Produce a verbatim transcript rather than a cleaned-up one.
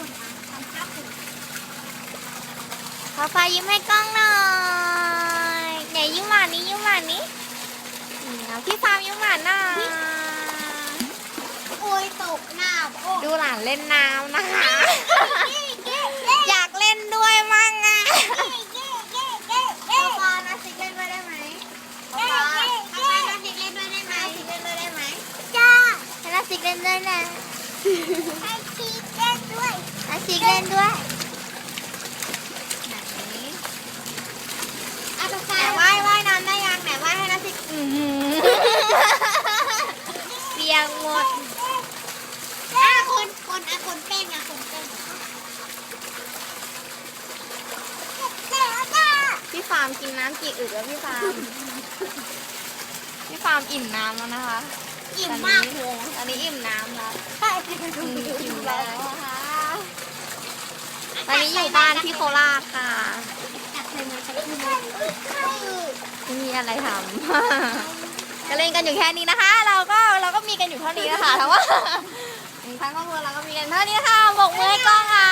ฝุ่นนะทำค่าฝุ่นฟ้าฟ้ายิ้มให้กล้องหน่อยไหนยิ้มหวานนี้ยิ้มหวานนี้เอาพี่ฟาร์มยิ้มหวานหน่อยโอ้ยตกหน้าโอ้ดูหลานเล่นน้ำนะคะเก้เก้เก้อยากเล่นด้วยมั่งอ่ะเก้เก้เก้เก้ปอนาซิกเล่นด้วยได้ไหมเก้เก้เก้นาซิกเล่นด้วยได้ไหมนาซิกเล่นด้วยได้ไหมจ้าให้นาซิกเล่นด้วยนะให้ซีเล่นด้วยนาซิกเล่นด้วยอาตแต่ว่ายว่ายน้ำได้ยังไหนว่ายให้นาซิกอื้อหือเปียกหมดอ่ะคนคนอ่ะคนเต้นอ่ะคนเต้นเต้นจ้าพี่ฟาร์มกินน้ำกี่อึกแล้วพี่ฟาร์ม พี่ฟาร์มอิ่มน้ำแล้วนะคะอิ่มมากเลยนะตอนนี้อิ่มน้ำแล้วใช่อืมอิ่มแล้วนะคะตอนนี้อยู่บ้านที่โคราชค่ะจับเลยมาจับเลยไม่มีอะไรทำ ก็เล่นกันอยู่แค่นี้นะคะ เราก็เราก็มีกันอยู่เท่านี้นะคะแต่ว่าทั้งครอบครัวเราก็มีกันเท่านี้ค่ะบอกมือให้กล้องค่ะ